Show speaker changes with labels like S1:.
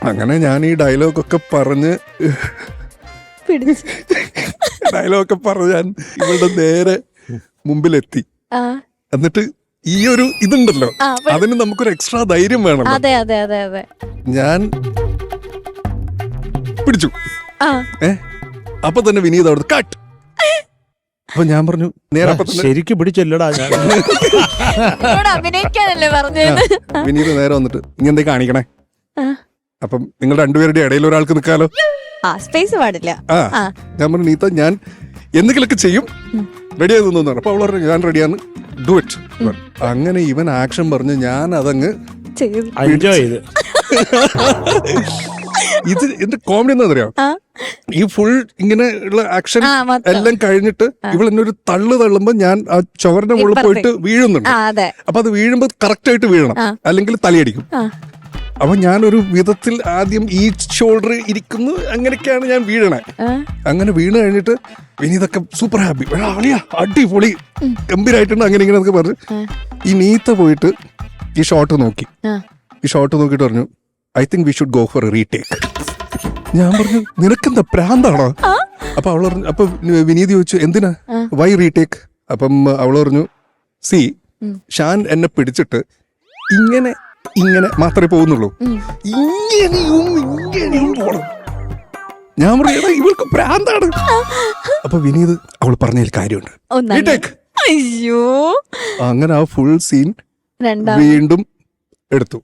S1: അങ്ങനെ ഞാൻ ഈ ഡയലോഗൊക്കെ പറഞ്ഞ് ഡയലോഗൊക്കെ പറഞ്ഞ് ഞാൻ ഇവളുടെ നേരെ മുമ്പിലെത്തി. എന്നിട്ട് ഈ ഒരു ഇതുണ്ടല്ലോ, അതിന് നമുക്കൊരു എക്സ്ട്രാ ധൈര്യം വേണം.
S2: അതെ അതെ അതെ അതെ.
S1: ഞാൻ പിടിച്ചു. അപ്പൊ തന്നെ വിനീത് അവിടെ കട്ട്. അപ്പൊ ഞാൻ പറഞ്ഞു നേരെ
S3: ശരിക്കും പിടിച്ചല്ലടാ ഞാൻ.
S2: അഭിനയിക്കാനല്ലേ പറഞ്ഞത്.
S1: വിനീത് നേരെ വന്നിട്ട് ഇങ്ങെന്തേ കാണിക്കണേ? അപ്പം നിങ്ങൾ രണ്ടുപേരുടെ ഇടയിൽ ഒരാൾക്ക് നിൽക്കാലോ.
S2: സ്പേസ് പാടില്ല.
S1: ഞാൻ പറഞ്ഞു നീത്ത ഞാൻ എന്തെങ്കിലുമൊക്കെ ചെയ്യും, റെഡി ആയി തോന്നുന്നു. അപ്പൊ അവൾ പറഞ്ഞു ഞാൻ റെഡിയാണ്, ഡു ഇറ്റ്. അങ്ങനെ ഇവൻ ആക്ഷൻ പറഞ്ഞ് ഞാൻ അതങ്ങ്
S3: എൻജോയ് ചെയ്ത്.
S1: ഇത് എന്റെ കോമഡി എന്താ അറിയാം, ഈ ഫുൾ ഇങ്ങനെ ഉള്ള ആക്ഷൻ എല്ലാം കഴിഞ്ഞിട്ട് ഇവൾ എന്നെ ഒരു തള്ളുമ്പോ ഞാൻ ആ ചുവറിന്റെ മുകളിൽ പോയിട്ട് വീഴുന്നുണ്ട്. അപ്പൊ അത് വീഴുമ്പോ കറക്റ്റ് ആയിട്ട് വീഴണം, അല്ലെങ്കിൽ തലയടിക്കും. അപ്പൊ ഞാനൊരു വിധത്തിൽ ആദ്യം ഈ ഷോൾഡർ ഇരിക്കുന്നു, അങ്ങനെയൊക്കെയാണ് ഞാൻ വീഴണേ. അങ്ങനെ വീണ് കഴിഞ്ഞിട്ട് വിനീതൊക്കെ സൂപ്പർ ഹാപ്പി, അടിപൊളി ഗംഭീരായിട്ടുണ്ട്, അങ്ങനെ ഇങ്ങനെ എന്നൊക്കെ പറഞ്ഞു. ഈ നീത്ത പോയിട്ട് ഈ ഷോട്ട് നോക്കി. ഈ ഷോട്ട് നോക്കിയിട്ട് പറഞ്ഞു I think we should go for a retake. ഞാൻ പറഞ്ഞു നിനക്കെന്താ പ്രാന്താണോ? അപ്പൊ അവൾ പറഞ്ഞു, അപ്പൊ വിനീത് ചോദിച്ചു എന്തിനാ, വൈ റീടേക്ക്? അപ്പം അവൾ പറഞ്ഞു സി ഷാൻ എന്നെ പിടിച്ചിട്ട് ഇങ്ങനെ ഇങ്ങനെ മാത്രമേ പോകുന്നുള്ളൂ, ഇങ്ങനെയും പോണം. ഞാൻ പറഞ്ഞു ഇവൾക്ക് പ്രാന്താണ്. അപ്പൊ വിനീത് അവൾ പറഞ്ഞതിൽ കാര്യമുണ്ട്, റീടേക്ക്.
S2: അയ്യോ,
S1: അങ്ങനെ ആ ഫുൾ സീൻ വീണ്ടും എടുത്തു.